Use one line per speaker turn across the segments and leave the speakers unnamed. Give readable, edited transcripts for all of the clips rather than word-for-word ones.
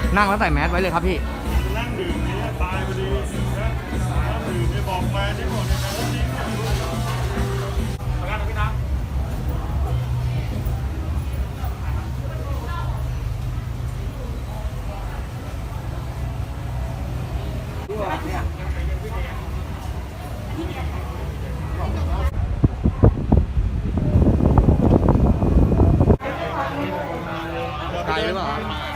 นั่งแล้วใส่แมสไว้เลยครับพี่
นั่งดื่มนี้ตายพอดีนะนั่งดื่มไม่บอกแฟนที่บอกเนี่ยนะจริงประกันนะพี่นะ
ไกลหรือเปล่า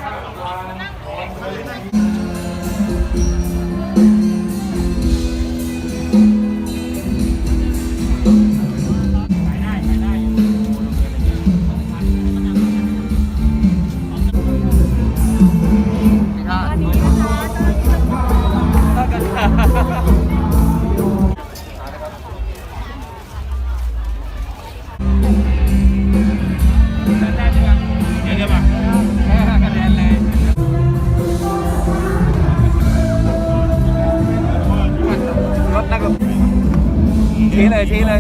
ชี้เลยชี้เลย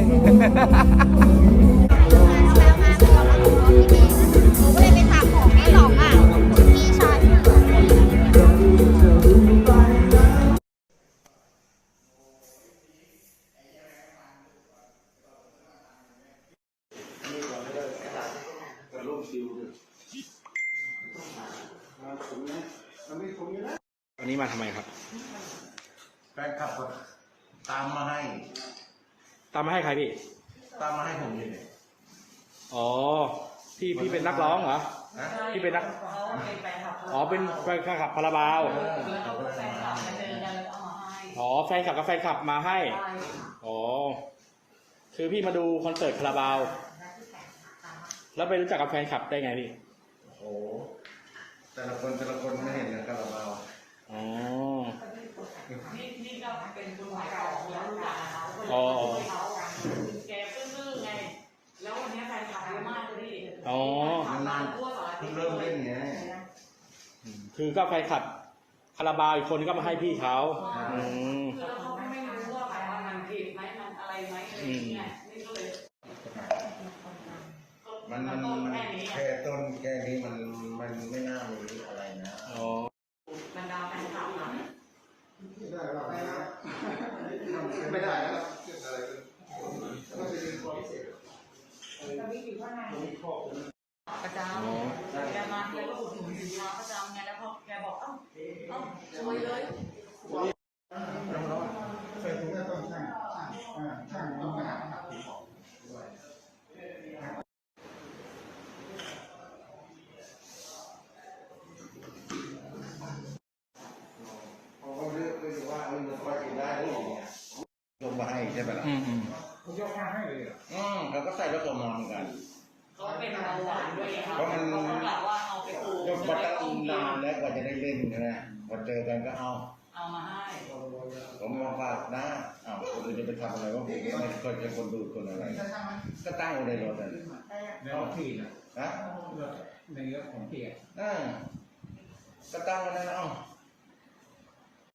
วันนี้มาทำไมครับ
แฟนคลับตามมาให้
ใครพี่
ตามมาให้ผมเลย
อ๋อพี่เป็นนักร้องเหรอพี่เป็นนักอ๋อเป็นแฟนคลับคาราบาวอ๋อแฟนคลับกับแฟนคลับมาให้อ๋อคือพี่มาดูคอนเสิร์ตคาราบาวแล้วไปรู้จักกับแฟนคลับได้ไงพี่
โอ้แต่ละคนไม่เห็นนะคาราบาว
อ๋อ
นี่ก็เป็นคนขายของแล้วรู้จักเขาแกซื่อๆไงแล้ววันนี้แฟนคลับเยอะมากเลยดิ
อ๋
อนานๆเพิ่งเริ่มเล่นไง
คือก็แฟนคลับคาราบาวอีกคนก็มาให้พี่เขา
คือแล้วเขาไม่รู้ว่าแบบว่ามันผิดไหมมันอะไรไหมอะไรอย่างเงี้ยนี่ก็เลย
มันแค่ต้นแค่นี้มันไม่น่ามีอะไรนะ
อ๋
บรรดาแฟนคลับนะ
ไม่ได้แล้ว
ประจำแกมาแกก็อุดหนุนสินค้าประจำไงแล้วพอแกบอกเอ้าช่วยเลย
ใส่ถุงก็ต้องช่างต้องมาหาลงมาให้ใช่ไหมล่ะเขายกมาให้เลยเขาก็ใส่แล้วก็มาเหมือนกัน
เขาเป็นเบาหวานด้วย
เพราะมัน
แบบว่าเอาไปปลูก
ยกมาตั้งนานแล้วกว่าจะได้เล่นนะพอเจอกันก็เอา
มาให้
ผมมาฝากนะคนอื่นจะไปทำอะไรว่าผมไม่เคยจะคนดูคนอะไรก็ตั้งอยู่ในรถเลย
ในรถพี่นะ
ใน
รถของพี่
ก็ตั้งไว้นั่น